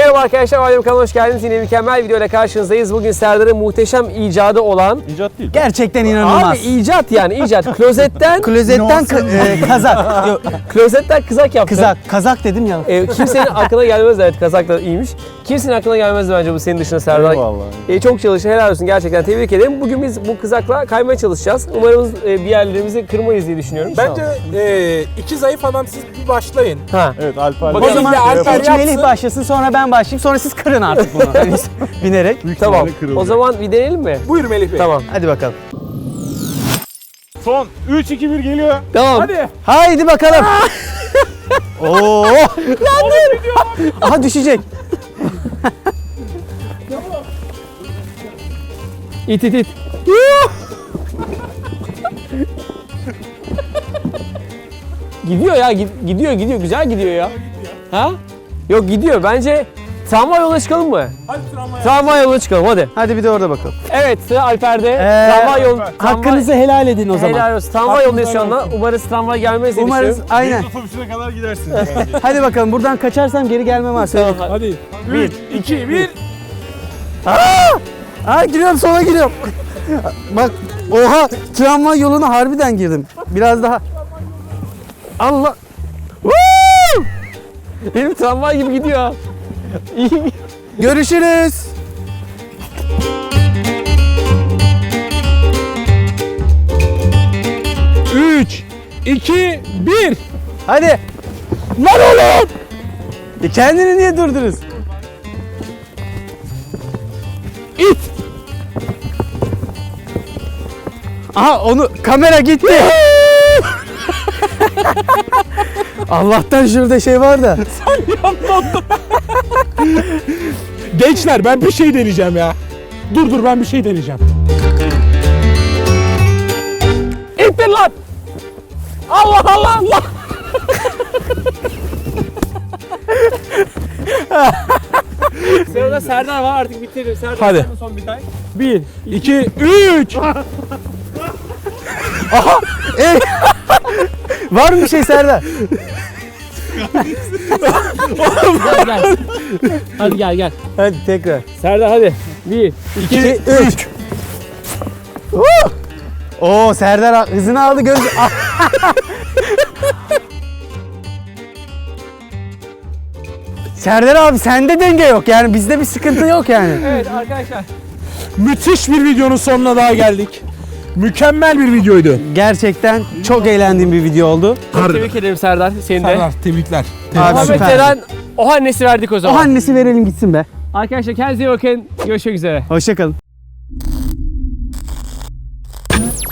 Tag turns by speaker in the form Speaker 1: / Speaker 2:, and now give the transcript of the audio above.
Speaker 1: Merhaba arkadaşlar, Alem kanalına hoş geldiniz. Yine mükemmel bir videoyla karşınızdayız. Bugün Serdar'ın muhteşem icadı olan...
Speaker 2: İcat değil.
Speaker 3: Gerçekten inanılmaz.
Speaker 1: Abi icat yani icat. Klozetten
Speaker 3: Kazak. Yok,
Speaker 1: klozetten kızak yaptı.
Speaker 3: Kazak dedim ya.
Speaker 1: Kimsenin aklına gelmez, evet kazak da iyiymiş. Kimsenin aklına gelmez bence bu senin dışında Serdar.
Speaker 2: Eyvallah.
Speaker 1: Çok çalıştı, helal olsun, gerçekten tebrik ederim. Bugün biz bu kızakla kaymaya çalışacağız. Umarım bir yerlerimizi kırmayız diye düşünüyorum.
Speaker 4: Bence iki zayıf adam siz bir başlayın.
Speaker 1: Ha.
Speaker 2: Evet Alper.
Speaker 1: Bakalım.
Speaker 3: O zaman
Speaker 4: Alper
Speaker 3: ilk
Speaker 4: yapsın.
Speaker 3: Melih başlasın, sonra ben başlayayım, sonra siz kırın artık bunu. Hani binerek.
Speaker 1: Tamam. O zaman bir deneyelim mi?
Speaker 4: Buyur Melih Bey.
Speaker 1: Tamam.
Speaker 3: Hadi bakalım.
Speaker 2: Son 3-2-1 geliyor.
Speaker 1: Tamam.
Speaker 4: Hadi.
Speaker 3: Haydi bakalım. Oo! Yandım. Aha düşecek.
Speaker 1: İt it it. Gidiyor ya, gidiyor. Güzel gidiyor ya. Ha? Yok gidiyor. Bence tramvay yoluna çıkalım mı?
Speaker 4: Hadi tramvaya.
Speaker 1: Tramvay yoluna çıkalım hadi.
Speaker 3: Hadi bir de orada bakalım.
Speaker 1: Evet, sıra Alper'de. Tramvay yolu.
Speaker 3: Hakkınızı helal edin o zaman.
Speaker 1: Helal olsun. Tramvay yolundayız şu anda. Umarız tramvay gelmez diye
Speaker 3: Umarız
Speaker 1: düşünüyorum.
Speaker 3: aynen.
Speaker 2: Otobüsüne kadar gidersiniz.
Speaker 3: Hadi bakalım, buradan kaçarsam geri gelmem var.
Speaker 1: Tamam,
Speaker 4: Hadi. 3, 2, 1.
Speaker 3: Aa, giriyorum, sola giriyorum. Bak, oha, tramvay yoluna harbiden girdim. Biraz daha.
Speaker 1: Allah. Benim tramvay gibi gidiyor ha. İyi.
Speaker 3: Görüşürüz.
Speaker 4: Üç, 2, 1.
Speaker 3: Hadi. Lan oğlum. Kendini niye durdunuz?
Speaker 4: İt.
Speaker 3: Aha, onu kamera gitti. Allah'tan şurada şey var da.
Speaker 4: Gençler ben bir şey deneyeceğim ya. Dur ben bir şey deneyeceğim.
Speaker 1: İttir lan. Allah. Sırada Serdar var, artık bitirelim. Serdar,
Speaker 4: Hadi.
Speaker 1: sen de son bir tay.
Speaker 4: 1, 2, 3.
Speaker 3: Var mı bir şey Serdar?
Speaker 1: Gel. Hadi gel.
Speaker 3: Hadi tekrar.
Speaker 1: Serdar hadi. 1,
Speaker 3: 2, 3. Oo, Serdar hızını aldı, göz. Serdar abi, sende denge yok yani, bizde bir sıkıntı yok yani.
Speaker 1: Evet arkadaşlar.
Speaker 4: Müthiş bir videonun sonuna daha geldik. Mükemmel bir videoydu.
Speaker 3: Gerçekten çok eğlendiğim bir video oldu.
Speaker 1: Tebrik ederim Serdar. Seni de.
Speaker 4: Serdar tebrikler.
Speaker 3: Abi,
Speaker 1: Muhammed
Speaker 3: süper.
Speaker 1: Eren o annesi verdik o
Speaker 3: O
Speaker 1: zaman.
Speaker 3: annesi verelim gitsin be.
Speaker 1: Arkadaşlar kendinize iyi bakın. Görüşmek üzere.
Speaker 3: Hoşça kalın.